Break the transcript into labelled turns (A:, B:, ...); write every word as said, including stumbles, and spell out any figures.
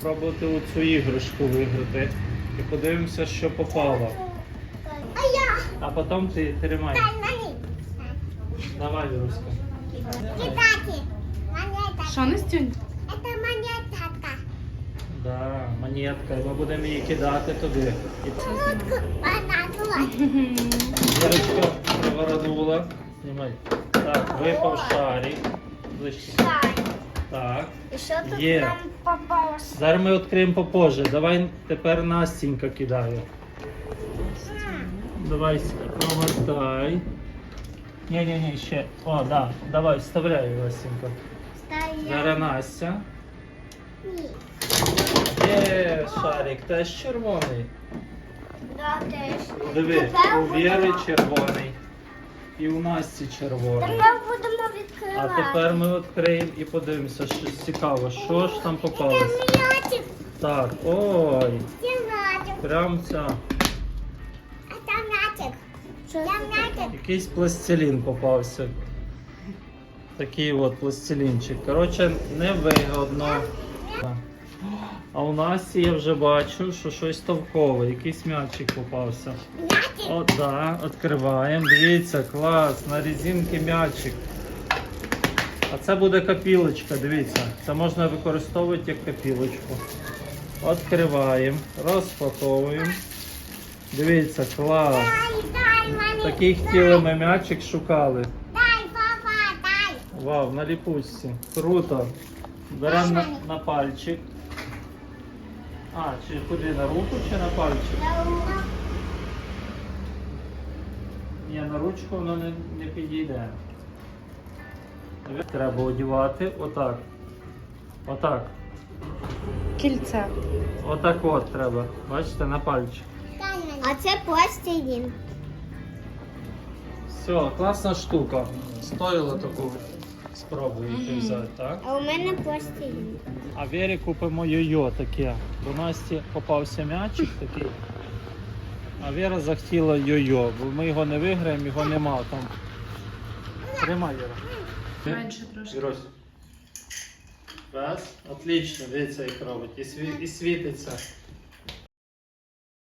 A: спробувати оцю іграшку виграти. І подивимося, що попало.
B: А я.
A: А потім ти тримай.
B: Дай мені.
A: Давай, Віруська.
B: Китаті. Монета.
C: Що, Настюнь?
B: Це монетка.
A: Да, монетка. І ми будемо її кидати туди. І
B: Минутку. Вона
A: Вірочка привернула. Знімай. Так, випав шарик. Ближче. Так.
B: І що тут
A: Є.
B: нам попалося?
A: Зараз ми відкриємо попозже. Давай тепер Настенька кидає. Давай промотай. Ні-ні-ні, ще. О, да. Давай, вставляй, Настенька. Зараз Настя.
B: Ні.
A: Є, шарик, теж червоний.
B: Да, теж.
A: Диви,
B: Тепер
A: у Віри
B: будемо-
A: червоний. І у Насті червоний.
B: Тепер будемо
A: А
B: відкривати.
A: тепер ми відкриємо і подивимося, що цікаво, що ж там
B: Це
A: попалось.
B: м'ячик.
A: Так, ой,
B: Це м'ячик.
A: прям ця.
B: А це м'ячик. Це м'ячик.
A: Якийсь пластилін попався. Такий от пластилінчик. Коротше, невигодно. А у Насті я вже бачу, що щось товкове, якийсь м'ячик попався.
B: М'ячик.
A: От, да, відкриваємо. Дивіться, клас, на резинки м'ячик. А це буде копілочка, дивіться. Це можна використовувати як копілочку. Відкриваємо, розпаковуємо. Дивіться, клас.
B: Дай, дай мені.
A: Такий хотіли ми м'ячик шукали.
B: Дай, папа, дай.
A: Вау, на ліпучці. Круто. Беремо на, на пальчик. А, чи куди, на руку чи на пальчик?
B: Давно.
A: Ні, на ручку воно не, не підійде. Треба одягати отак. Отак.
C: Кільце.
A: Отак от треба. Бачите, на пальчик.
B: Дай мені. А це пластилін.
A: Все, класна штука. Стоїло таку спробуйте взяти, так?
B: А у мене пластилін.
A: А Вері купимо йо-йо таке. До Насті попався м'ячик такий. А Вера захотіла йо-йо, бо ми його не виграємо, його нема там. Тримай, Вера.
C: Менше трошки.
A: Вірось. Раз. Отлично, дивіться, як робить. І, сві... і світиться.